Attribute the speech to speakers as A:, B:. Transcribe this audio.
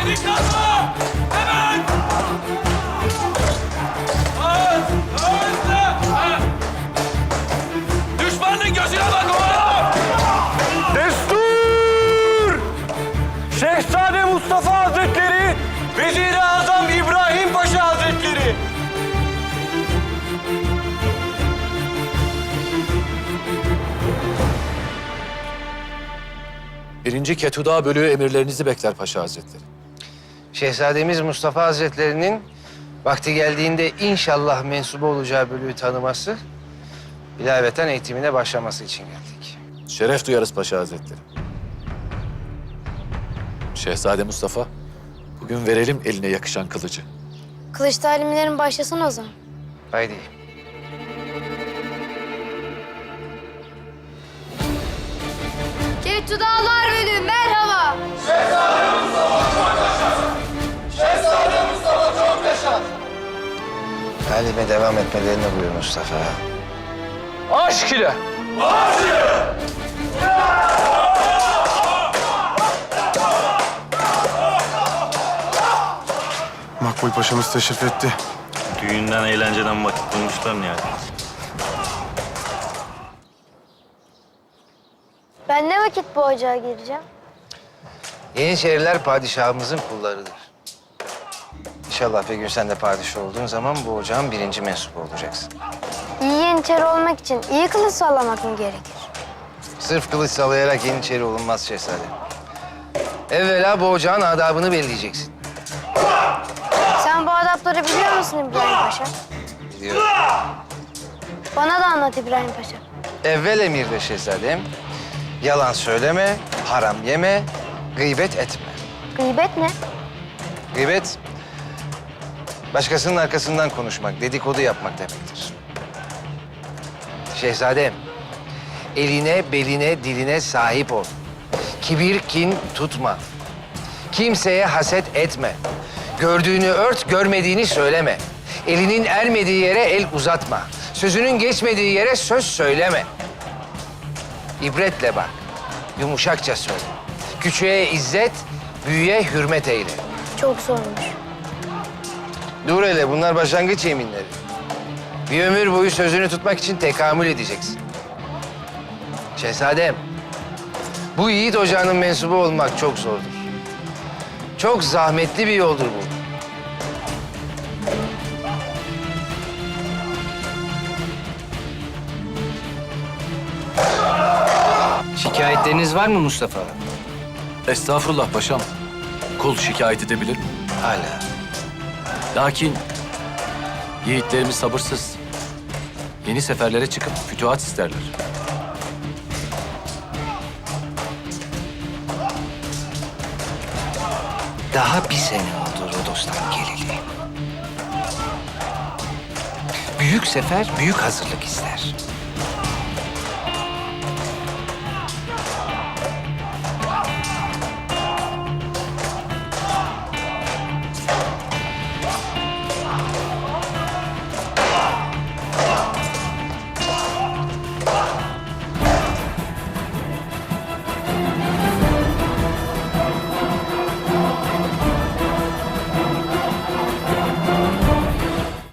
A: Delikanlı! Hemen! Düşmanın gözüne bak oğlum!
B: Destur! Şehzade Mustafa Hazretleri, Vezir-i Azam İbrahim Paşa Hazretleri.
C: Birinci Ketuda bölüğü emirlerinizi bekler Paşa Hazretleri.
D: Şehzademiz Mustafa Hazretlerinin vakti geldiğinde inşallah mensubu olacağı bölüğü tanıması, ilaveten eğitimine başlaması için geldik.
C: Şeref duyarız Paşa Hazretleri. Şehzade Mustafa, bugün verelim eline yakışan kılıcı.
E: Kılıç talimlerin başlasın o zaman.
D: Haydi.
E: Ketudalar Bölüğü merhaba.
D: Halime devam etmelerini buyur Mustafa.
B: Aşk ile.
F: Makbul Paşa'mız teşrif etti.
G: Düğünden, eğlenceden vakit bulmuşlar yani.
E: Ben ne vakit bu ocağa gireceğim?
D: Yeniçeriler padişahımızın kullarıdır. İnşallah bir gün sen de padişah olduğun zaman bu ocağın birinci mensubu olacaksın.
E: İyi yeniçeri olmak için iyi kılıç sallamak mı gerekir?
D: Sırf kılıç sallayarak yeniçeri olunmaz şehzade. Evvela bu ocağın adabını belirleyeceksin.
E: Sen bu adapları biliyor musun İbrahim Paşa?
D: Biliyorum.
E: Bana da anlat İbrahim Paşa.
D: Evvel emirde şehzadem, yalan söyleme, haram yeme, gıybet etme.
E: Gıybet ne?
D: Gıybet, başkasının arkasından konuşmak, dedikodu yapmak demektir. Şehzadem, eline, beline, diline sahip ol. Kibir, kin tutma. Kimseye haset etme. Gördüğünü ört, görmediğini söyleme. Elinin ermediği yere el uzatma. Sözünün geçmediği yere söz söyleme. İbretle bak, yumuşakça söyle. Küçüğe izzet, büyüğe hürmet eyle.
E: Çok zormuş.
D: Dur hele, bunlar başlangıç yeminleri. Bir ömür boyu sözünü tutmak için tekamül edeceksin. Şehzadem, bu yiğit ocağının mensubu olmak çok zordur. Çok zahmetli bir yoldur bu.
H: Şikayetleriniz var mı Mustafa?
C: Estağfurullah paşam. Kul şikayet edebilir mi?
D: Hala.
C: Lakin yiğitlerimiz sabırsız. Yeni seferlere çıkıp fütuhat isterler.
D: Daha bir sene oldu Rodos'tan geleli. Büyük sefer büyük hazırlık ister.